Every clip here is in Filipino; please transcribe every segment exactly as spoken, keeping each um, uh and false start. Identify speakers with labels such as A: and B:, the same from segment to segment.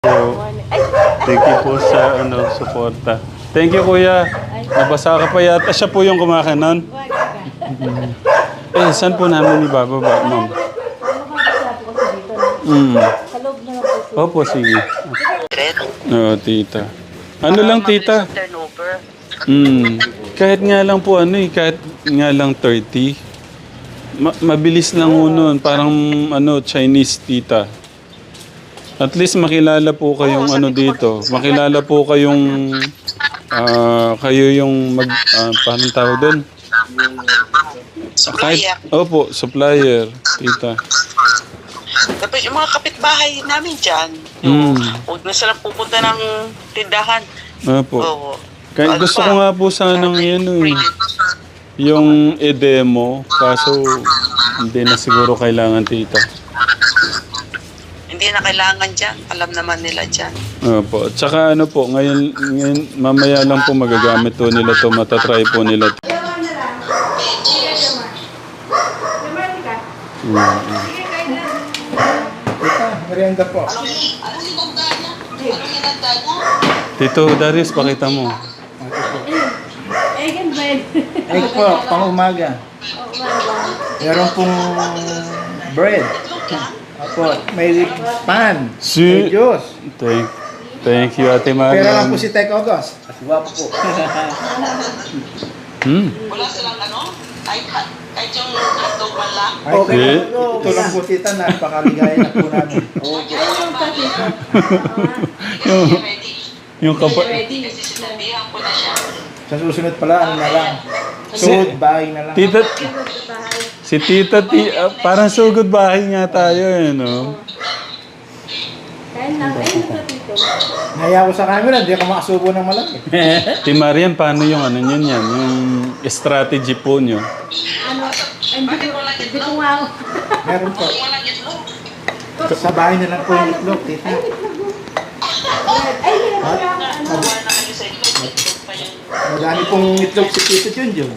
A: po. Thank you po sa ano, suporta. Thank you, kuya. Nabasa ka pa yata. Siya po yung kumakain nun. Eh, saan po namin ibababa, ma'am? Mm.
B: Sa loob na lang po.
A: Opo, sige. Oo, tita. Ano lang, tita?
C: Turnover.
A: Mm. Kahit nga lang po ano eh, kahit nga lang thirty. Ma- mabilis lang ho nun. Parang ano, Chinese, tita. At least makilala po kayong ano dito. Makilala po kayong ah, kayo yung mag ah, paano tawag doon? Kahit,
C: Supplier.
A: opo, supplier, tita.
C: Tapos yung mga kapitbahay namin dyan,
A: Mm.
C: huwag na silang pupunta ng tindahan.
A: Opo.
C: Oo.
A: Kaya
C: Ano
A: gusto
C: pa?
A: ko nga po sanang yan eh. Yung e-demo, kaso hindi na siguro kailangan, tita.
C: Hindi na kailangan dyan. Alam naman nila dyan.
A: Opo. At saka ano po, ngayon, ngayon mamaya lang po magagamit po nila to, matatry po nila to. Mm.
D: Merienda po.
A: Tito Darius, pakita mo.
B: Egg and bread.
D: Egg po, pang umaga. Meron pong bread. Apo, may pan.
A: Si-
D: May juice.
A: Thank, thank you, Ate
D: Pera lang
A: Marian.
D: po si Tek August. At guwapo po.
A: Hmm.
C: Wala silang ano, kahit, kahit yung hotdog man lang.
D: Ay,
A: Okay.
D: ito, ito lang po tita, napakaligaya na po namin.
A: yung,
C: Ready.
A: yung kapa...
C: Kasi sinabihan ko na siya.
D: Sa susunod pala, ano na lang. Suod, bahay na lang.
A: Tita... Si Tita, ti, ah, parang sugod bahay nga tayo eh, no?
B: Kain lang. Ayun na dito.
D: Naya ko sa camera, hindi ako makasubo ng malaki.
A: Ti Marian, paano yung ano yun yan? Yung strategy po nyo?
B: Ano? Hindi ko, hindi ko nga ako.
D: Meron po.
C: Walang itlog.
D: Sa bahay na lang po yung itlog, tita.
B: Ay, hindi ko nga ako. Ano?
C: Wala na kayo sa itlog. Itlog pa yan.
D: Madami pong itlog si Tito Junjun.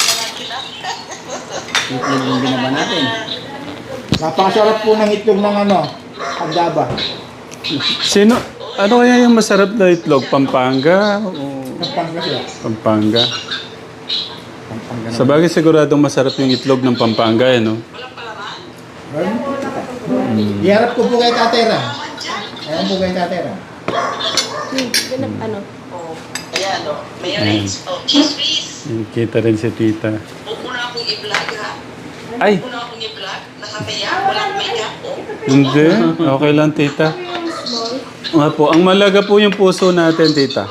D: Itlog yung ginawa natin. Napakasarap po ng itlog ng ano, Andaba.
A: Sino? Ano kaya yung masarap na itlog? Pampanga? O
D: Pampanga siya.
A: Pampanga?
D: Pampanga
A: Sa bagay siguradong masarap yung itlog ng Pampanga, eh, no?
D: Meron po, tita. Iharap ko po kay Tatera. Ayan po kay Tatera.
B: Hmm, ganap, ano?
C: Oh, ayan o. Mayonnaise. Oh, cheese whiz.
A: Yung kita rin si Tita.
C: Huwag mo na akong i-vlog ha.
A: Ay!
C: Huwag mo na akong i-vlog. Nakakaya. Walang makeup. Oh.
A: Hindi. Okay lang, Tita. Nga po. Ang malaga po yung puso natin, Tita.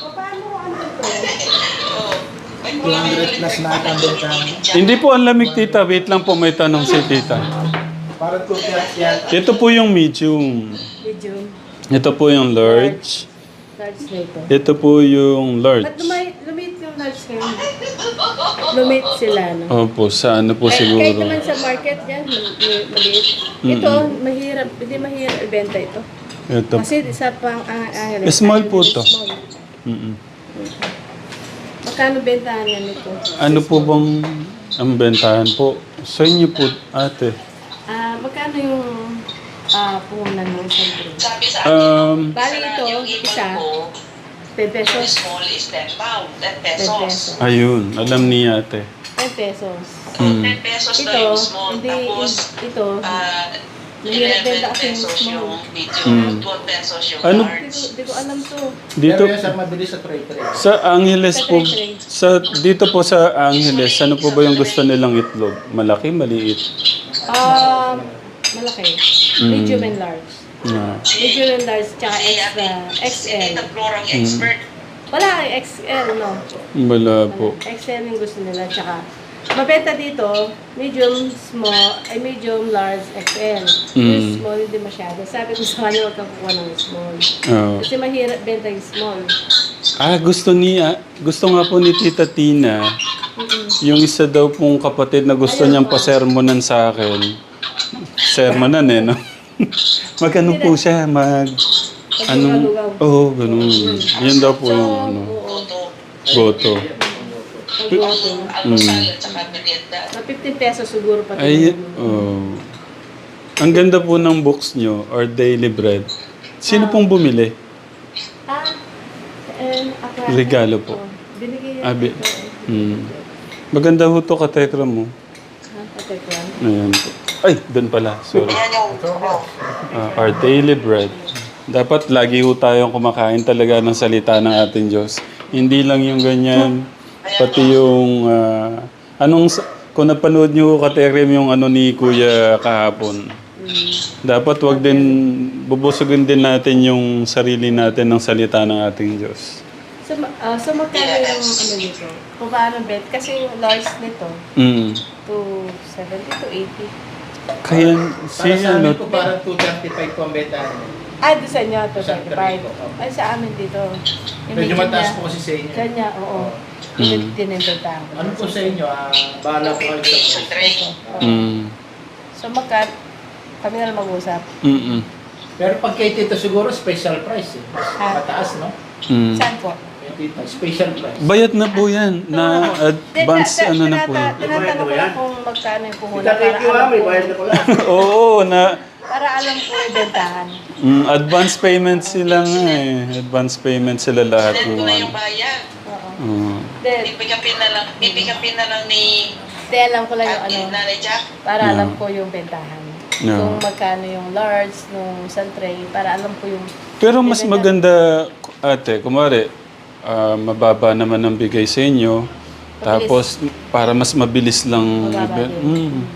D: two hundred plus na ang bentahan.
A: Hindi po ang lamig, Tita. Wait lang po, may tanong si Tita.
D: Para po yan.
A: Ito po yung medium.
B: Medium.
A: Ito po yung large.
B: Large na ito.
A: Ito po yung
B: Ba't
A: large.
B: lumay, lumit yung large ngayon? Lumit sila, no?
A: Opo, sa ano po
B: Kahit
A: siguro.
B: naman sa market yan, mali- maliit. Ito, mahirap, hindi mahirap ibenta ito.
A: Ito.
B: Kasi isa pang ang ang
A: Small po to.
B: Small.
A: Mm-mm.
B: Magkano bentahan yan ito?
A: Ano po bang ang bentahan po? Sa inyo po, ate.
B: Ah, magkano yung ah puhunan ng isang tray?
C: Sabi sa
A: Um,
B: Bali ito,
C: yung ibon
B: isa,
C: ko,
B: ten
C: yung
B: pesos.
C: small is ten pound. ten
B: ten
C: pesos.
B: pesos.
A: ayun, alam ni ate.
B: ten pesos.
C: So,
A: Mm.
C: ten pesos na
B: Ito,
C: yung small.
B: hindi,
C: Tapos,
B: ito,
C: ah,
B: Mahirap benta
C: eleven
B: kasi yung
C: pesos
B: small.
C: yung medium.
A: Mm.
C: twelve pesos yung
A: Ano?
B: hindi
C: large.
B: ko, hindi ko alam to.
A: Dito,
D: Pero yan sa mabilis sa tray-tray.
A: sa Angeles po, sa, dito po sa Angeles, ano po ba yung gusto nilang itlog? Malaki, maliit?
B: Um, malaki.
A: Mm.
B: Medium and large.
A: Yeah.
B: Medium and large, tsaka
C: Si
B: extra,
C: ate- Si
B: X L.
C: Tita Florang expert.
B: Wala kang X L, no?
A: Wala po.
B: X L yung gusto nila, tsaka mabenta dito, medium, small, ay medium, large, X L. Yung
A: Mm.
B: small, hindi masyado. Sabi ko sa kanya, huwag kang kukuha ng small.
A: Oh.
B: Kasi mahirap benta yung small.
A: Ah, gusto niya, gusto nga po ni Tita Tina, yung isa daw pong kapatid na gusto niyang pasermonan sa akin. Sermonan eh, no? Mag-ano po siya, mag... Anong... Oo, oh, ganun. Yan daw po yung ano,
B: Oo.
A: goto.
B: Pag-auto.
C: Almusal at saka merienda.
B: Na fifteen pesos siguro pati.
A: Ay, oh. Ang ganda po ng books nyo, or daily bread. Sino pong bumili?
B: Ah, eh, ako.
A: Regalo po.
B: Binigay
A: Ah,
B: yan.
A: bi-
B: ito, eh.
A: Hmm. Maganda ho to katekra mo.
B: Ha, katekram.
A: Ayan po. Ay, doon pala. Sorry.
C: Ayan yung, oh,
A: Ah, our daily bread. Dapat lagi ho tayong kumakain talaga ng salita ng ating Diyos. Hindi lang yung ganyan, pati yung... ah, anong... sa- Kung napanood niyo katekram yung ano ni Kuya kahapon, dapat wag din... Bubusugin din natin yung sarili natin ng salita ng ating Diyos.
B: So, ma- ah, so magkano yung ano nito? Kung paano bet? Kasi yung large nito,
A: Mm.
B: two seventy to eighty.
A: Kaya si
D: Para sa
A: ano...
D: amin po, parang two thirty-five po ang beta.
B: Ah, doon sa inyo, two
D: Sa
B: seventy-five.
D: Rico, opo.
B: Ay, sa amin dito. Yung
D: Medyo
B: medium
D: mataas
B: niya.
D: po kasi sa inyo.
B: Kanya, oo.
A: Mm.
B: Yung tinintenta ko.
D: Ano po sa inyo? Ah, bahala po kayo sa
C: tray.
A: Mm.
B: So, magkat, kami na lang mag-usap.
A: Mm-mm.
D: Pero pag kay Tito siguro, special price eh.
B: Ah.
D: Mataas, no?
A: Mm.
B: Saan po?
D: Kay Tito, special price.
A: Bayad na po yan. Na advance
B: Tina-
A: ano na po.
B: tinata- Tinatanong ko
D: Yan.
B: lang kung magkano yung puhunan
D: Tita,
B: para
D: thank you
B: alam
D: ah, may
B: ko,
D: bayad na pala.
A: Oo, na...
B: para alam ko yung bentahan.
A: Mm, advance payment sila nga eh. Advance payment sila lahat.
C: send ko
A: ng
C: na
A: ano.
C: yung bayad.
B: Oo.
A: Mm.
B: Then,
C: Pipikapin na lang, pipikapin na lang ni
B: di alam ko lang yung
C: Ate
B: ano,
C: Nanay Jack.
B: para
A: No.
B: alam ko yung bentahan.
A: No.
B: Kung magkano yung large, nung isang tray, para alam ko yung...
A: Pero mas maganda, ate, kumari, ah, mababa naman ang bigay sa inyo. Tapos, para mas mabilis lang.
B: Mababa din.
A: Mm.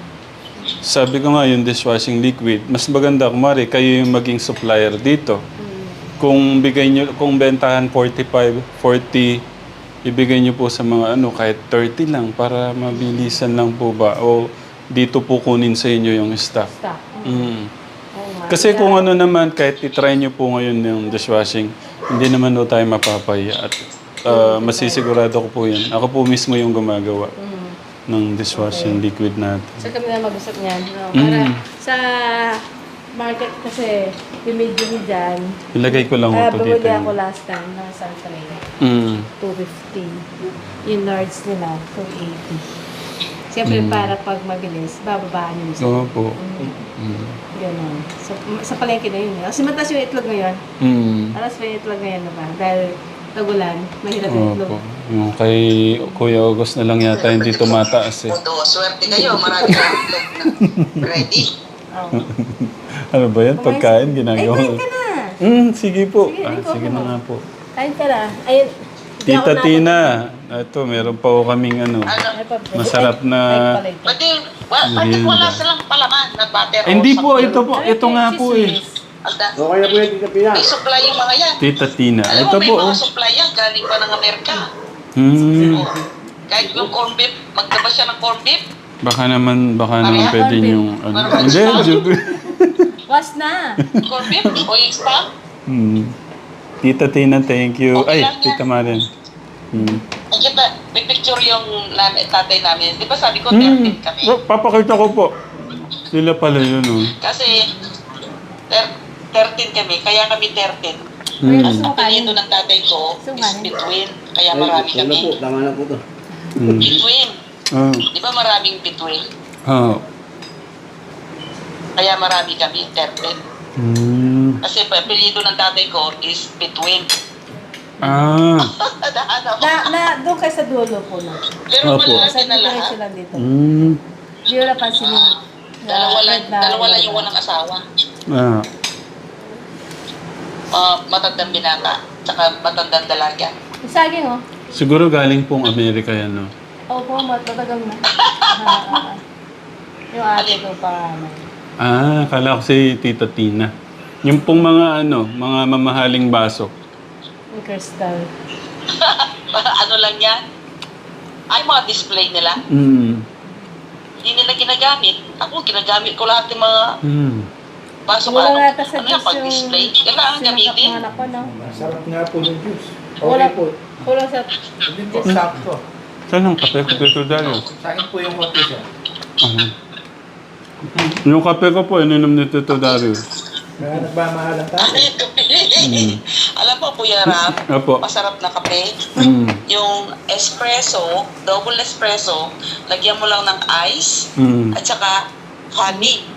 A: Sabi ko nga, yung dishwashing liquid, mas maganda, kumari, kayo yung maging supplier dito.
B: Mm.
A: Kung bigay nyo, kung bentahan forty-five, forty, ibigay nyo po sa mga ano, kahit thirty lang para mabilisan lang po ba. O dito po kunin sa inyo yung staff.
B: Stop.
A: Mm.
B: Oo nga.
A: Kasi
B: Kaya-
A: kung ano naman, kahit itry nyo po ngayon yung dishwashing, hindi naman po tayo mapapahiya. At uh, masisigurado ko po yan. Ako po mismo yung gumagawa
B: Mm.
A: ng dishwashing liquid natin.
B: So kami na mag-usap niyan. No? Para
A: Mm.
B: sa market kasi, yung medium dyan,
A: Ilagay ko lang
B: ah,
A: ito
B: bumili
A: dito.
B: ako last time ng isang tray.
A: Mm.
B: two fifty. Yung large nila, two eighty. Siyempre,
A: Mm.
B: para pag mabilis, bababaan yung isa.
A: Oo po.
B: Mm.
A: Mm.
B: Ganun. So, m- sa palengke na yun. eh. Kasi mataas yung itlog ngayon.
A: Mm.
B: Alas pa yung itlog ngayon na ba? Dahil tagulan, mahirap yung itlog.
A: Opo. Yung kay Kuya August na lang yata hindi tumataas eh.
C: Mundo, swerte kayo. Marami kang itlog na ready.
B: Oh.
A: Ano ba yan? Pagkain
B: Ay,
A: ginagawa.
B: kain ka na!
A: Mm, sige po.
B: Sige,
A: Ah,
B: ikaw
A: sige
B: po.
A: na nga po.
B: Kain ka na. Ayun. hindi ako
A: Tita
B: na-
A: Tina, ito meron pa po kaming ano.
C: Ano?
B: Ay, pa-
A: Masarap na-
B: Ay, pala ito.
C: Pwede, wa, pwede wala silang palaman na butter.
A: Eh, hindi
C: o
A: po,
C: something.
A: ito po. Ito nga po eh.
C: Agda,
D: Okay na po yung Tita Pina.
C: may supply yung mga yan.
A: Tita Tina.
C: Alam
A: Ito
C: mo, may
A: po
C: mga
A: oh.
C: supply yan. Galing pa ng Amerika.
A: Hmm.
C: Oh. Kahit yung corn beef, magdaba siya ng corn beef.
A: Baka naman, baka naman
C: Pareha?
A: pwede yung ano. Hindi, joke.
B: Was na!
C: Corn beef o yung spam.
A: Hmm. Tita Tina, thank you.
C: Okay
A: Ay,
C: lang yan.
A: Tita Maren. Hmm.
C: Ang kita, may picture yung nanay, tatay namin. Di ba sabi ko,
A: Hmm.
C: thirteen kami.
A: Oh, papakita ko po. Sila pala yun oh.
C: Kasi, ter- thirteen kami, kaya kami thirteen.
A: Hmm.
B: Aso
C: Ang
B: kanin.
C: pinito ng tatay ko is
B: Sunganin.
C: between. Kaya marami kami.
D: tama na po to.
A: Hmm.
C: Between.
A: Ah.
C: Di ba maraming between?
A: Ah.
C: Kaya marami kami, thirteen.
A: Hmm.
C: Kasi pa, pinito ng tatay ko is between.
A: Ah.
C: Nadaan ako.
B: Na, na, doon kayo sa dulo po na.
C: Pero
A: Opo.
C: malalaki
B: Sa
C: na
B: diretso
C: lahat.
B: lang dito.
A: Hmm.
B: Hindi ko napansin yung...
C: Dalawa lang,
B: na-
C: dalawa lang yung walang asawa.
A: Ah.
C: Uh, matandang binata, tsaka matandang dalaga.
B: Yung saging, oh.
A: Siguro galing pong Amerika yan, no?
B: Opo, matagal na. Ah, ah, ah. Yung ate ko pa, ano.
A: Ah, kala ko si Tita Tina. Yung pong mga ano, mga mamahaling baso.
B: Yung crystal.
C: ano lang yan? Ay, mga display nila.
A: Hmm.
C: Hindi nila ginagamit. Ako, ginagamit ko lahat ng mga
A: Hmm.
C: baso.
B: Wala
C: Ano,
B: nga ata sa
C: ano yan,
B: juice
C: pag-display?
B: yung...
C: Kailangan gamitin.
B: Sinakap ko, no?
D: Masarap nga po ng juice.
B: Wala
D: Okay po.
B: Kulang sa...
D: Hindi po, sakto.
A: Saan ang kape ko dito, Darius?
D: Sa akin po yung kote siya.
A: Aha. Yung kape ko po, ininom ni Tito Darius.
D: Kaya nagmamahal ang tayo.
C: Ay, kape. Alam mo, Kuya Ram,
A: Opo.
C: masarap na kape.
A: Hmm.
C: Yung espresso, double espresso, lagyan mo lang ng ice
A: Hmm.
C: at saka honey.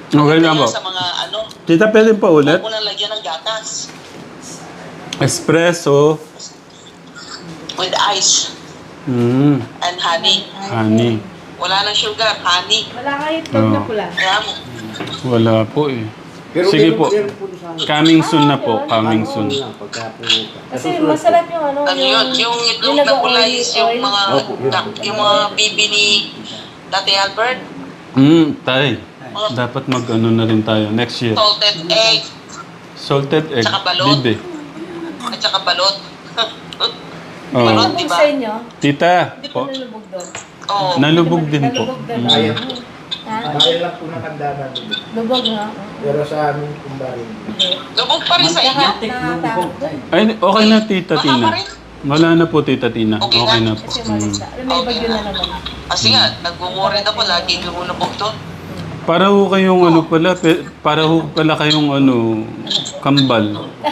A: Okay lang po.
C: Sa mga ano,
A: Tita, pwede pa ulit?
C: huwag mo nang lagyan ng gatas.
A: Espresso.
C: With ice
A: Mm,
C: and honey.
A: honey.
C: Wala nang sugar, honey.
B: Wala kayo itlog na
A: Oo.
B: pula.
C: Kaya mo.
A: Wala po eh.
D: Pero
A: Sige
D: meron-
A: po.
D: meron po sa akin.
A: Coming soon na po.
B: yun.
A: Coming
D: Oo,
A: soon.
D: lang, pagka pumunta.
B: Kasi masarap yung ano,
C: Ano yun? Yung itlog na pula is yung mga, yung mga bibi ni Tati Albert.
A: Mm, tay. Dapat mag-ano na rin tayo next year.
C: Salted egg
A: Salted egg.
C: Tsaka balot.
A: Bibe.
C: at saka balot.
A: Oh.
C: Balot,
B: Ano
C: di ba?
B: sa inyo?
A: Tita.
B: Hindi po
A: Po.
B: nalubog doon.
C: Oo.
A: Nalubog din po.
B: Nalubog doon.
A: Mm.
D: Ayan.
B: Ha?
D: Bakit lang po ng kandahan doon.
B: Lubog nga.
D: Pero sa amin, kumbarin.
C: Lubog pa rin sa inyo.
B: Nakatakot doon.
A: Ay, okay na Tita
C: Baka
A: Tina.
C: pa rin.
A: Wala na po Tita Tina.
C: Okay
A: Okay
C: na.
A: na po.
B: Kasi
A: Mm.
B: umalis na. Alam, may bagyo na naman.
C: Kasi nga, nag-worried ako lagi lumulubog doon.
A: Para ho kayong ano pala, pe- para ho pala kayong ano, kambal.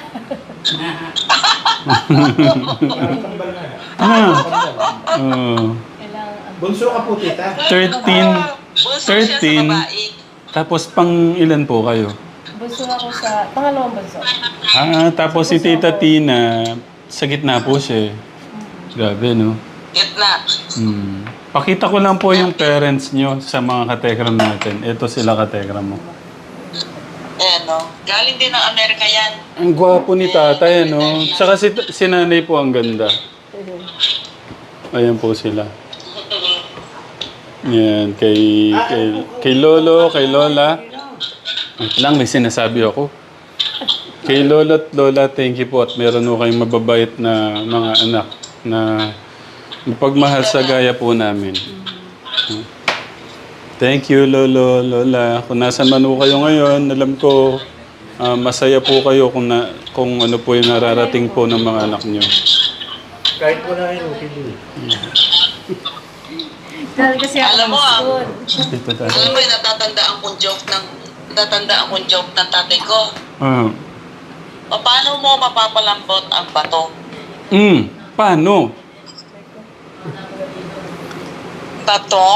A: ah, oh,
B: Kailangan.
D: Bunso ka po, tita.
A: thirteen,
C: Bunso siya sa
A: thirteen,
C: babae.
A: tapos pang ilan po kayo?
B: Bunso ako sa pangalawang bunso.
A: Ah, tapos si Tita Tina, sa gitna po siya eh. Grabe, no?
C: Gitna.
A: Hmm. Pakita ko lang po yung parents nyo sa mga katekram natin. Ito sila katekram mo.
C: Ayan, no? Galing din ng Amerika yan.
A: Ang gwapo ni tatay, no? Tsaka si, si nanay po ang ganda. Ayan po sila. Yan, kay, kay, kay Lolo, kay Lola. Wait lang, may sinasabi ako. Kay Lolo at Lola, thank you po. At meron po kayong mababait na mga anak na pagmahal sa gaya po namin. Thank you, Lolo, Lola. Kung nasan man po kayo ngayon, alam ko ah, masaya po kayo kung, na, kung ano po yung nararating po ng mga anak nyo.
D: Kahit po na yun, okay din.
B: Dahil kasi ako
C: Alam mo, ah.
B: school.
A: Dito tayo.
C: Alam mo, yung natatandaan kong joke ng natatandaan kong joke ng tatay ko.
A: Ah.
C: O, paano mo mapapalambot ang bato?
A: Mm, paano?
C: Bato.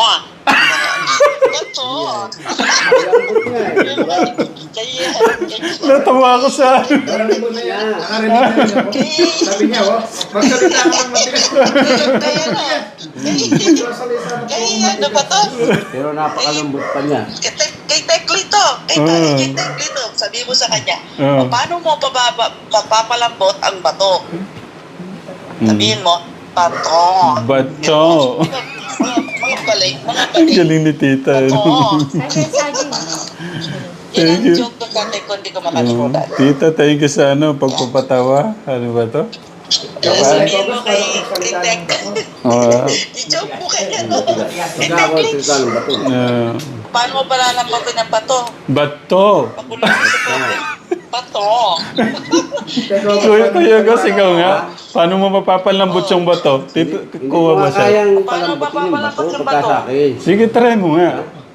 C: Bato.
D: Malambot nga eh.
C: Kaya,
A: Natawa ako sa...
D: Malambot na yan. Nakarinig na rin ako. Sabi niya, oh, magsalita ka ng matigas.
C: kaya na.
D: Magsalita na po.
C: Kaya, ano ba to?
E: Pero napakalambot pa niya.
C: Kay Tek- Kay Teklito. Kay
A: Ah.
C: kay Teklito. Sabi mo sa kanya,
A: Ah.
C: o, paano mo papapa- papapalambot ang bato? Sabihin mo, bato.
A: Bato.
C: Mga, mga balik, mga
A: Ang
C: balik.
A: galing ni tita.
C: Oo.
B: Ay, saging.
C: Yan ang
A: Thank you.
C: joke ng tatay ko, hindi ko
A: Oh,
C: makalimutan.
A: tita, thank you sa ano, pagpapatawa. Ano ba to?
C: Kaya sabihin mo kay, kay Tek,
A: Oh,
C: i-joke mo kaya no?
E: Pagkawal sila ng bato.
A: uh,
C: Paano mo palalambutin ang bato?
A: bato.
C: Pakulong mo sa tubig. Bato.
A: Kuya, kuya, Gus, ikaw nga. Paano mo mapapalambot yung bato? Tito,
E: Hindi
A: kuha
E: ko
A: ba
E: nga
A: siya?
E: kayang
C: Paano
E: palambutin yung bato
C: mapapalambot yung
E: pagka
C: bato?
E: sa akin.
A: Sige, try mo nga.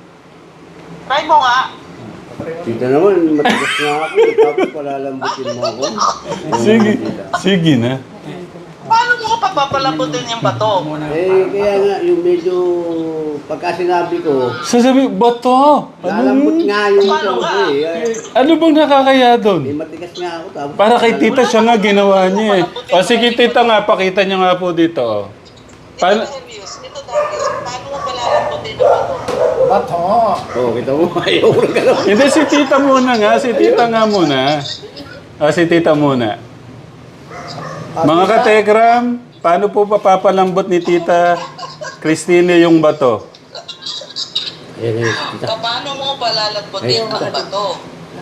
C: Try mo nga.
E: Dito naman, matigas nga ako. Tapos palalambutin mo ako.
A: Sige, sige na.
C: Paano mo papapalambutin yung bato?
E: Eh, kaya nga, yung medyo pagka sinabi ko,
A: Sasabi, bato.
E: lalambot
A: Ano,
E: nga yung
C: Paano
E: ito
C: nga?
E: ko eh. Ay,
A: ano bang nakakaya
E: eh,
A: doon?
E: matigas nga ako. Tapos
A: Para kay tita siya nga ginawa niya eh. O sige tita nga, pakita niya nga po dito. Oh.
C: Ito
A: Paano?
C: Darius, ito Darius, paano mo palalambutin yung bato?
D: Bato.
E: Oo, kita mo, ayaw ko lang gano'n.
A: Hindi, si tita muna nga. Si tita nga muna. Ah, si tita muna. Mga kategram, paano po papapalambot ni tita Christine yung bato?
E: Ayan, eh, kita.
C: O paano mo palalambutin ang bato?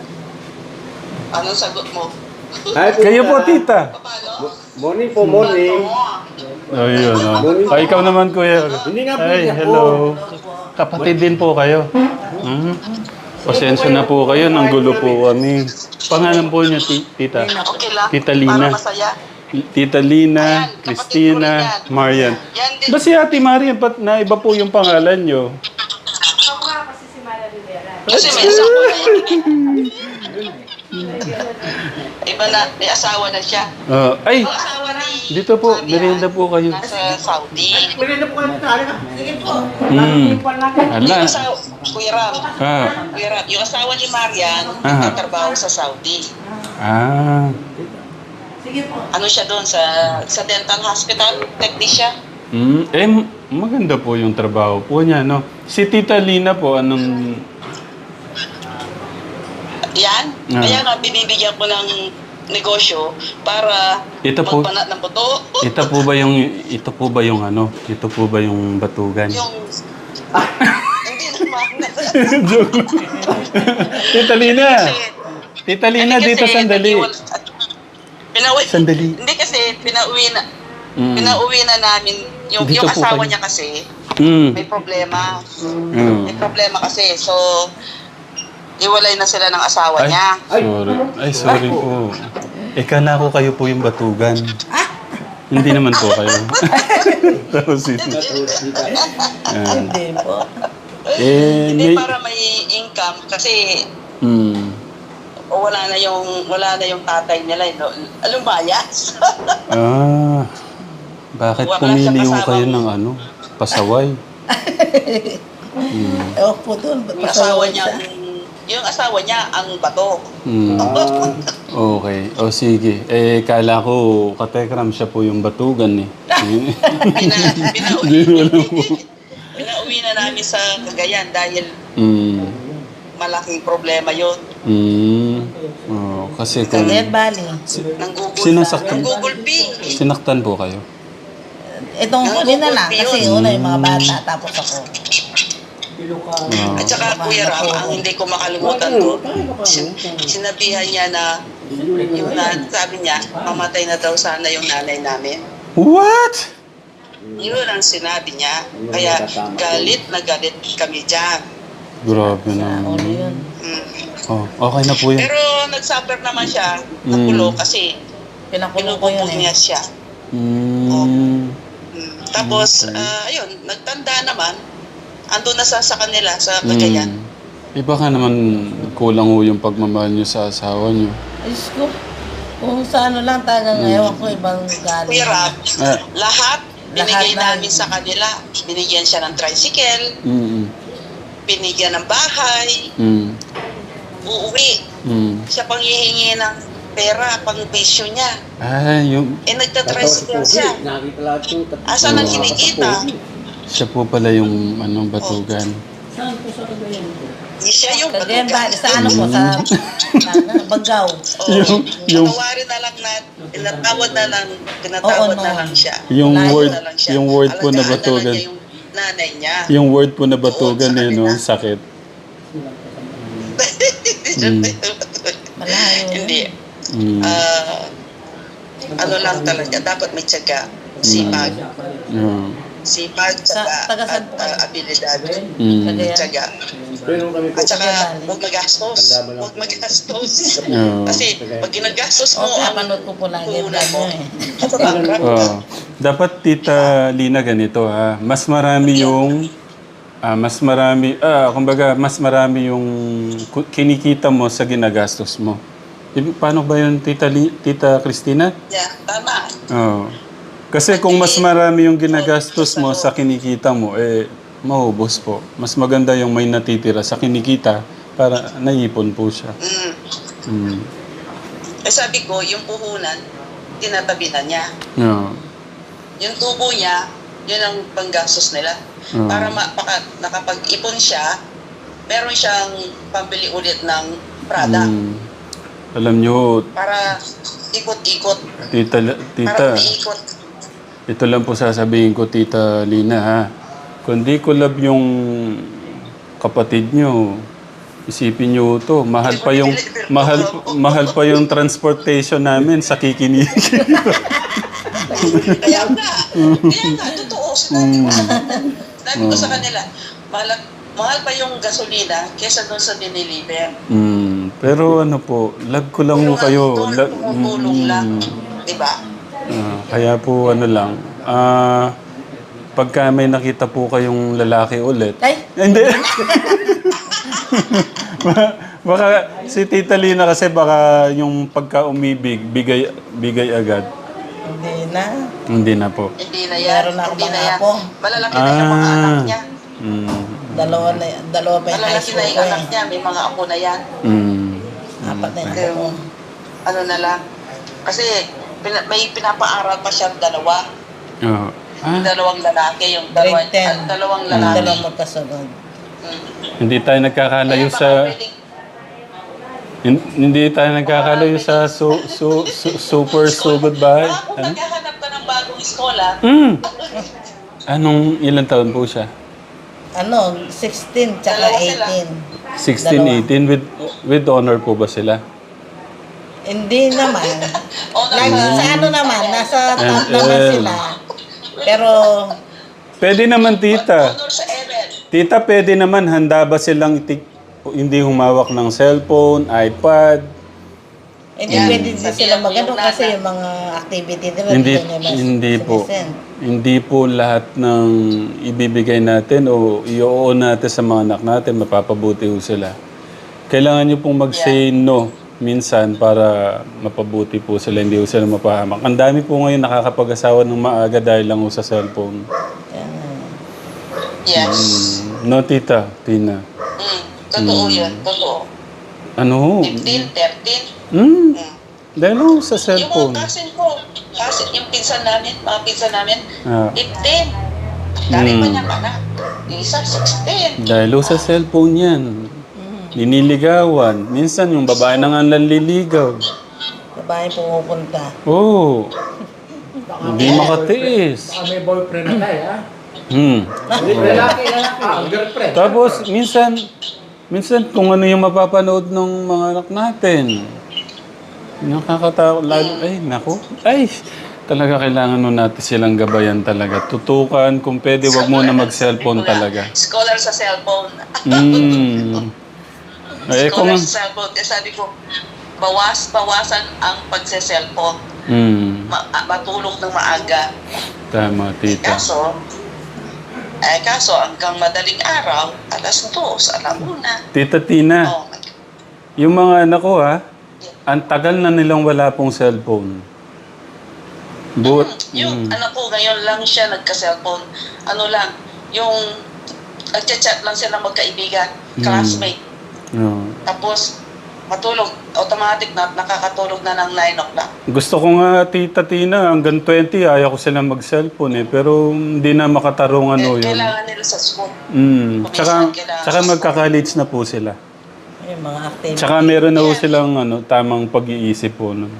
C: Anong sagot mo?
E: Ay,
A: Kayo po tita.
C: Paano?
E: Morning po, morning.
A: Oh, yun. Oh. Ay, ikaw naman kuya.
E: Hindi nga po
A: Ay,
E: siya po.
A: hello. Kapatid din po kayo. Hmm? Pasensya na po kayo, nang gulo po kami. Pangalan po niya, ti- tita.
C: Okay lang.
A: Tita Lina.
C: Para masaya.
A: Tita Lina,
C: Ayan, kapatid
A: Christina,
C: ko rin yan.
A: Marian.
C: Yan din.
A: Ba si Ate Marian, ba't na iba po yung pangalan nyo?
B: Ako nga kasi si Mara Rivera.
C: Kasi may asawa na yan. Iba na, may asawa na siya.
A: Ah, ay,
C: Ang asawa ni...
A: dito po, merienda po kayo.
C: Nasa Saudi.
D: Maganda po kayo tayo na.
C: Sige po.
A: Hmm. Ala,
C: Asawa, Kuya Ram,
A: Ah,
C: Kuya Ram, yung asawa ni Marian,
A: Ah.
C: nagtatrabaho sa Saudi.
A: ah,
C: Ano siya doon sa sa dental hospital, technician.
A: mm, eh, m- maganda po yung trabaho po niya, no? Si Tita Lina po, anong,
C: Yan.
A: Ah.
C: Kaya nga, binibigyan ko ng negosyo para
A: Ito po-
C: magbanat ng buto.
A: ito po ba yung, ito po ba yung ano, ito po ba yung batugan?
C: Yung... Hindi naman.
A: Joke. Tita Lina, Tita Lina,
C: Hindi
A: dito
C: kasi
A: sandali.
C: nag-iwal- Pinauwi.
A: Sandali.
C: Hindi kasi pinauwi na.
A: Mm.
C: Pinauwi na namin yung
A: Dito
C: yung
A: po
C: asawa
A: kayo.
C: niya kasi
A: Mm.
C: may problema.
A: Mm.
C: May problema kasi. So iwalay na sila ng asawa
A: Ay,
C: niya.
A: sorry. Ay, sorry po. Eh, kala ko kayo po yung batugan. Hindi naman po kayo. Tapos si Ah.
F: Hindi po.
A: Eh,
C: Hindi
A: may...
C: para may income kasi
A: Mm.
C: o wala na yung wala na yung tatay nila, no? Lumayas.
A: Ah. Bakit
C: Wala
A: pumili
C: siya
A: ho
C: kasama
A: kayo
C: mo.
A: ng ano? Pasaway? Mm.
F: Ewan po doon.
C: Yung asawa niya, yung asawa niya ang bato.
A: Mm. Okay. O sige. Eh, kala ko katekram siya po yung batugan eh.
C: Pina, pinauwi,
A: Hindi ko alam po.
C: pinauwi na namin sa Cagayan dahil
A: Mm.
C: malaking problema yon.
A: Mm. Oh, kasi kung
F: Cagayan Valley.
C: Ng Google,
A: Sinasaktan?
C: ng Google Pay.
A: sinaktan po kayo.
F: Itong
C: Ang
F: huli na lang.
C: Google
F: Kasi
C: yun.
F: una yung mga bata. Tapos ako.
A: Oh.
C: At saka Kuya Ram, ang hindi ko makalimutan to, sin- sinabihan niya na yung na, sabi niya, mamatay na daw sana yung nanay namin.
A: What?
C: Yun ang sinabi niya. Kaya galit na galit kami dyan.
A: Grabe
F: Ulo
A: naman.
F: yun.
C: Mm.
A: Oh, okay na po yan.
C: Pero nag-suffer naman siya,
A: Mm.
C: nagulo kasi
F: Pinakulong ko yun
C: pinupupog
F: eh.
C: niya siya.
A: Mm.
C: Mm. Tapos,
A: Okay.
C: ah, ayun, nagtanda naman. Ando na sa, sa kanila, sa Cagayan.
A: Mm. Eh baka naman kulang ho yung pagmamahal niyo sa asawa niyo.
F: Diyos ko. Kung sa ano lang talagang ewan ko ibang galing.
C: Kuya Rab,
A: Ah.
C: lahat binigay
F: Lahat na-
C: namin sa kanila. Binigyan siya ng tricycle,
A: Mm.
C: binigyan ng bahay,
A: Mm.
C: uuwi.
A: Mm.
C: Siya pang hihingi ng pera, pang bisyo niya.
A: Ah, yung
C: Eh, nagtatricycle siya.
E: Nakita lahat yung tat-
C: Asan ang
E: mga
C: kinikita?
A: siya po pala yung anong batugan.
C: Hindi siya yung
F: Cagayan
C: batugan.
F: Valley. Sa ano po? Sa sa Bagao.
C: Oo.
A: Yung- yung-
C: Patawarin na lang na, pinatawad na lang, pinatawad
F: Oo, no.
C: na lang siya.
A: Yung
F: Layo
A: word,
C: Na lang siya.
A: yung word po na
C: Alagaan na lang
A: batugan.
C: niya yung nanay niya.
A: Yung word po na batugan
C: Oo, sa
A: eh, no?
C: kanila.
A: Ang sakit.
F: Malayo.
C: Hindi.
A: Mm.
C: Ah, ano lang talaga, dapat may tiyaga, sipag.
A: Yeah.
C: Sipag, tiyaga,
F: Sa- taga saan
C: at
F: po kayo?
C: ah, abilidad.
A: Mm.
F: Cagayan.
C: Tiyaga.
E: Pero kami po,
C: At saka,
F: Cagayan.
C: huwag magastos.
E: Tanda mo lang.
C: Huwag magastos.
A: Yeah.
C: Kasi, pag ginagastos mo,
F: Okay,
C: ang
F: napanood ko po lagi yung
C: puhunan
F: vlog
C: mo,
F: nyo eh.
C: matatanggap ka.
A: Oh. Dapat Tita Lina ganito ha. Mas marami yung ah, mas marami ah kumbaga mas marami yung ku- kinikita mo sa ginagastos mo. Ibig paano ba yun Tita Li, Tita Christina?
C: Yeah, tama.
A: Oh. Kasi kung mas marami yung ginagastos mo sa kinikita mo eh maubos po. Mas maganda yung may natitira sa kinikita para naipon po siya.
C: Mm.
A: Mm.
C: Eh sabi ko, yung puhunan, tinatabi na niya.
A: Yeah.
C: Yung tubo niya, yun ang panggastos nila.
A: Mm.
C: Para ma- baka nakapag-ipon siya, meron siyang pambili ulit ng Prada.
A: Mm. Alam nyo,
C: Para ikot-ikot.
A: Tita,
C: Para
A: tita,
C: umiikot.
A: ito lang po sasabihin ko, Tita Lina, ha? Kung di ko love yung kapatid nyo, isipin nyo to. Mahal pa yung, mahal, mahal pa yung transportation namin sa kikinig.
C: Kaya nga, kaya nga, totoo. Sinabi ko, sinabi ko sa kanila, mahal, mahal pa yung gasolina kesa doon sa diniliver.
A: mm, pero ano po, love ko lang
C: Pero
A: po kayo.
C: nga, doon,
A: Love,
C: tumutulong lang. Diba?
A: Ah, kaya po ano lang, ah, pagka may nakita po kayong lalaki ulit,
F: Ay,
A: hindi. Ba- baka si Tita Lina kasi baka yung pagka umibig, bigay, bigay agad.
F: hindi na.
A: Hindi na po.
C: Hindi na yan.
F: Meron na ako
C: Hindi
F: mga
C: na yan.
F: apo.
C: Malalaki na yung mga anak
A: Ah.
C: niya.
A: Mm,
F: Dalawa na, dalawa pa yung high
C: Malalaki
F: school
C: na
F: ko
C: yung anak
F: eh.
C: niya, may mga apo na yan.
A: Mm.
F: Apat na yung
C: Kaya,
F: apo ko.
C: ano na lang. Kasi pina- may pinapaaral pa siyang dalawa.
A: Oo. Ah,
C: Dalawang lalaki, yung dalawa,
F: Grade ten.
C: ah, dalawang
F: Yung
C: lalaki.
F: dalawang magkasunod.
C: Mm.
A: hindi tayo nagkakalayo
C: Kaya baka
A: sa...
C: pwedeng-
A: hin- Hindi tayo nagkakalayo sa su, su, su, super sugod bahay.
C: Baka kung
A: Ano?
C: maghahanap ka ng bagong eskola,
A: Mm. Anong ilang taon po siya?
F: Ano, sixteen tsaka
C: Dalawa sila.
F: eighteen.
A: sixteen,
F: Dalawa.
A: eighteen with with honor po ba sila?
F: Hindi naman.
C: o
F: Lagi
C: nasa,
F: sa ano naman, nasa top
A: And,
F: naman
A: um,
F: sila. Pero,
A: Pwede naman tita.
C: honor sa Evel.
A: Tita, pwede naman handa ba silang itik- hindi humawak ng cellphone, iPad?
F: hindi
C: Yan.
F: pwede din
C: Sabihan
F: sila
C: mo
F: magano
C: yung
F: kasi
C: nana.
F: yung mga activity nila.
A: Hindi
F: nila mas-
A: hindi po.
F: sinisend.
A: Hindi po lahat ng ibibigay natin o i-oo natin sa mga anak natin, mapapabuti ho sila. Kailangan nyo pong mag-say no minsan para mapabuti po sila, hindi ho sila mapahamak. Ang dami po ngayon nakakapag-asawa ng maaga dahil lang ho sa cellphone.
F: Yan.
C: Yes.
A: Mm, no, tita, Tina.
C: Mm. Totoo
A: Mm.
C: yun, totoo.
A: Ano ho?
C: fifteen, thirteen.
A: Hmm,
C: Mm.
A: dahil ho sa
C: Yung
A: cellphone.
C: mga cousin ko, cousin, yung pinsan namin, mga pinsan namin,
A: Ah,
C: fifteen. Dami pa
A: Mm.
C: niyang anak. Yung isa, sixteen.
A: dahil ho sa cellphone yan. Niniligawan. Minsan yung babae na nga nanliligaw.
F: Babae pumupunta.
A: Oo. Hindi makatiis.
D: Baka may boyfriend na tayo, ha?
A: Hmm.
D: Lalaki, lalaki. Ah, girlfriend.
A: Tapos, minsan, minsan kung ano yung mapapanood ng mga anak natin. Nakakatakot. Lalo, ay, naku. Ay, talaga kailangan nun natin silang gabayan talaga. Tutukan, kung pwede, wag mo na mag-cellphone talaga.
C: Scholar sa cellphone.
A: Hmm. Eh, kung...
C: Scholar sa cellphone. Kaya sabi ko, bawas, bawasan ang pagse-cellphone.
A: Hmm.
C: Ma- ah, matulog ng maaga.
A: Tama, tita.
C: Kaso, eh kaso hanggang madaling araw, alas dos, alauna.
A: Tita Tina,
C: Oh,
A: yung mga anak ko ha, ang tagal na nilang wala pong cellphone. But,
C: yung anak ko ngayon lang siya nagka-cellphone. Ano lang, yung nagchat-chat lang sila magkaibigan, classmate.
A: no.
C: Tapos, matulog, automatic na nakakatulog na ng nine o'clock.
A: Gusto ko nga, Tita Tina, hanggang twenty, ayaw ko silang mag-cellphone eh. Pero hindi na makatarong ano
C: Eh,
A: yun.
C: kailangan nila sa school.
A: Mm.
C: Kuminsan
A: Tsaka,
C: kailangan
A: tsaka
C: sa
A: magka-college na po sila.
F: Yung mga activity.
A: Tsaka meron na po silang ano, tamang pag-iisip po. No?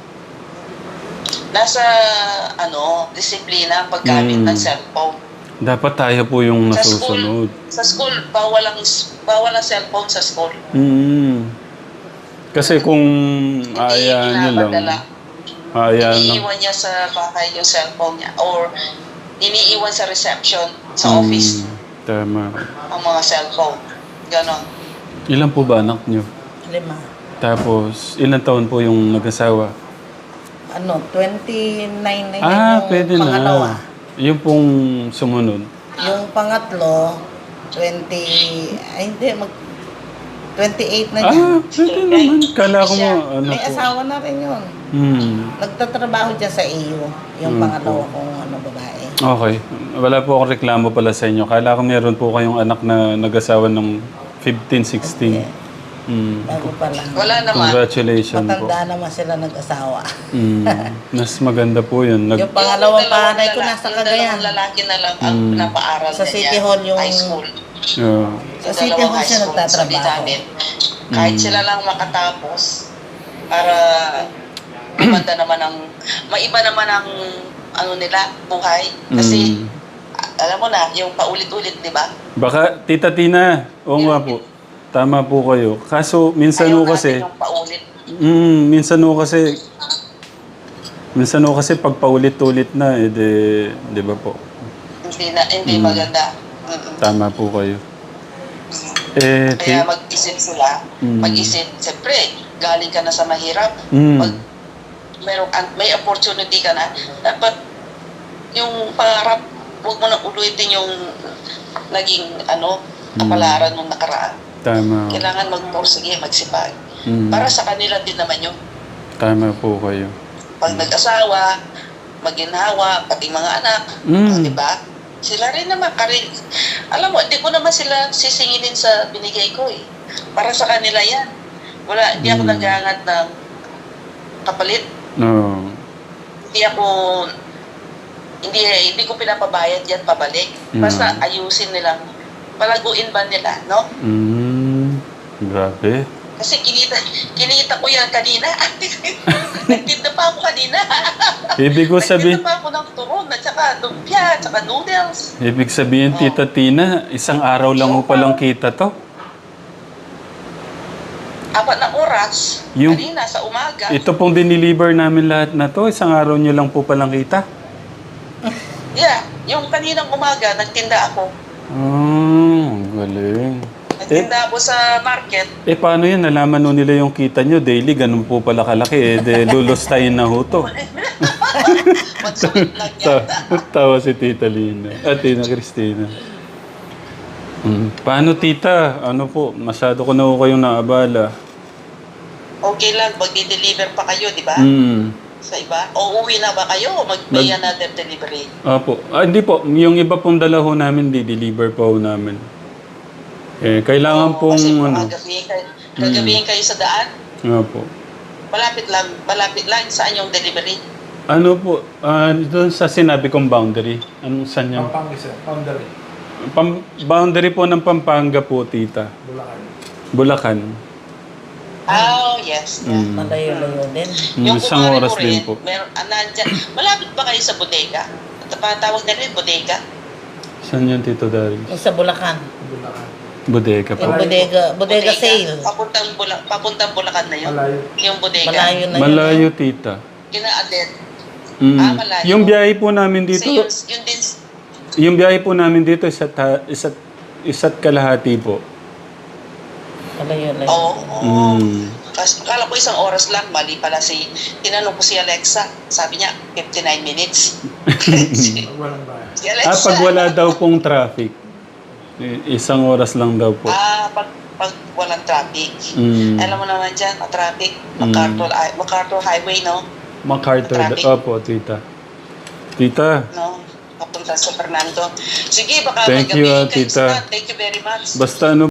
C: Nasa, ano, disiplina ang paggamit
A: Mm.
C: ng cellphone.
A: Dapat tayo po yung
C: Sa
A: nasusunod.
C: school, sa school, bawal ang, bawal ang cellphone sa school.
A: Mm. Kasi kung aayaan nyo lang,
C: pinapadala.
A: aayaan lang.
C: Iniiwan niya sa bahay yung cellphone niya or iniiwan sa reception, sa
A: Mm,
C: office,
A: Tama.
C: ang mga cellphone. Ganon.
A: Ilan po ba anak nyo?
F: Lima.
A: Tapos, ilang taon po yung nag-asawa?
F: Ano, twenty-nine na yun
A: Ah,
F: yung
A: pwede
F: pangalawa.
A: na. Yung pong sumunod.
F: Yung pangatlo, twenty, ay hindi, mag, twenty-eight na niya.
A: Ah, pwede naman. Kala ko mo, ano
F: May
A: po.
F: asawa na rin yun.
A: Hmm.
F: Nagtatrabaho dyan sa A U, yung
A: Hmm,
F: pangalawa kong ano, babae.
A: Okay. Wala po akong reklamo pala sa inyo. Kala ko meron po kayong anak na nag-asawa ng fifteen, sixteen. Hmm.
F: Bago pa lang.
C: Wala naman.
A: Congratulations po.
F: Matanda naman sila nag-asawa.
A: Hmm. Mas maganda po yun. Nag-
F: Yung pangalawang
C: Yung dalawang
F: panay ko
C: lala-
F: nasa
C: yung
F: Cagayan.
C: dalawang lalaki na lang ang
A: Mm.
C: pinapaaral
F: Sa
C: na
F: City
C: niya.
F: Hall yung-
C: High school.
A: Yeah.
F: Sa
C: Yung
F: City
C: dalawang
F: Hall
C: high
F: siya
C: school, sabi
F: nagtatrabaho.
C: namin, kahit
A: Mm.
C: sila lang makatapos, para maganda naman ang, maiba naman ang ano nila, buhay. Kasi,
A: Mm.
C: alam mo na, yung paulit-ulit, di ba?
A: Baka, Tita Tina, oo nga po. Tama po kayo. Kaso, minsan
C: Ayaw
A: ho kasi,
C: natin yung paulit.
A: mm, minsan ho kasi, minsan ho kasi pag paulit-ulit na, eh, di, di ba po?
C: Hindi na, hindi
A: Mm.
C: maganda. Mm-mm.
A: Tama po kayo. Eh,
C: Kaya
A: ti-
C: mag-isip sila,
A: Mm.
C: mag-isip, siyempre, galing ka na sa mahirap,
A: Mm.
C: pag merong, an- may opportunity ka na, dapat yung pangarap, huwag mo na ulitin yung naging ano, kapalaran nung nakaraan.
A: Tama.
C: Kailangan magporsige, magsipag.
A: Mm.
C: Para sa kanila din naman yun.
A: Tama po kayo.
C: Pag nag-asawa, maginhawa, pati mga anak,
A: Mm.
C: oh, di ba? Sila rin naman, kari, Alam mo, hindi ko naman sila sisingilin sa binigay ko eh. Para sa kanila yan. Wala, hindi ako
A: Mm.
C: naghahangat ng kapalit.
A: No.
C: Hindi ako, hindi, hindi ko pinapabayad yan pabalik. Basta
A: Mm.
C: ayusin nila. Palaguin ba nila, no?
A: Mm, grabe.
C: Kasi kinita, kinita ko yan kanina. Nagtinda pa ako kanina.
A: Ibig ko sabihin,
C: Nagtinda pa ako ng turon, at saka lumpia, at saka noodles.
A: ibig sabihin, Tita Tina, isang araw lang mo palang kita to.
C: Apat na oras,
A: Yung-
C: kanina sa umaga.
A: Ito pong diniliver namin lahat na to, isang araw nyo lang po palang kita.
C: Yeah, yung kaninang umaga, nagtinda ako.
A: Oh, galing.
C: Nagtinda ako sa market.
A: Eh, paano yan? Nalaman nun nila yung kita nyo daily, ganun po pala kalaki. Eh, de, lulustayin na ho to.
C: Magsulit lang
A: Ta-
C: yan.
A: tawa si Tita Lina. At Tina Cristina. Hmm. Paano, Tita? Ano po? Masyado ko na ho kayong naabala.
C: Okay lang, magdi-deliver pa kayo, di ba?
A: Hmm.
C: Sa iba? O uwi na ba kayo o mag-pay another delivery?
A: Opo. Ah, hindi po. Yung iba pong dala ho namin, di-deliver pa ho namin. Eh, kailangan
C: Oo,
A: pong
C: kasi
A: ano.
C: gagabihin kayo, gagabihin kayo sa daan.
A: Opo.
C: Malapit lang, malapit lang. Saan yung delivery?
A: Ano po, ah, doon sa sinabi kong boundary. Anong saan yan?
D: Pampanga sir, boundary.
A: Pam- boundary po ng Pampanga po, Tita.
D: Bulacan.
A: Bulacan.
C: Oh, yes. Yeah.
A: Mm.
F: Malayo-layo din.
A: Mm, isang
C: kumare
A: oras
C: ko
A: din
C: rin,
A: po.
C: Meron, ah, nandyan. Malapit ba kayo sa bodega? Tawag na rin, bodega.
A: Saan yan, Tito Darius?
F: Yung sa Bulacan.
D: Bulacan.
A: Bodega po.
F: Yung bodega, bodega sale.
C: Papuntang, Bula, papuntang Bulacan na yun.
D: Malayo.
C: Yung bodega.
F: Malayo na yun.
A: Malayo, Tita.
C: Kinaadet.
A: Mm.
C: Ah, malayo.
A: Yung biyahe po namin dito,
C: Kasi yun, yun din,
A: yung biyahe po namin dito, isa't, ha- isa't, isa't kalahati po.
F: Malayo-layo.
C: oo. oo.
A: Mm.
C: Kasi akala ko isang oras lang, mali pala si, tinanong ko si Alexa, sabi niya, fifty-nine minutes. si,
D: Pag walang bayan.
C: si Alexa.
A: Ah, pag wala daw pong traffic, i- isang oras lang daw po.
C: Ah, pag, pag walang traffic.
A: Mm.
C: Alam mo naman dyan, ang traffic,
A: Mm.
C: MacArthur, ah, MacArthur Highway, no?
A: MacArthur.
C: Traffic.
A: Opo, Tita. Tita,
C: No? Papunta sa Fernando. Sige, baka
A: Thank you,
C: magabihin
A: ah,
C: kayo
A: tita.
C: sa- Thank you very much.
A: basta ano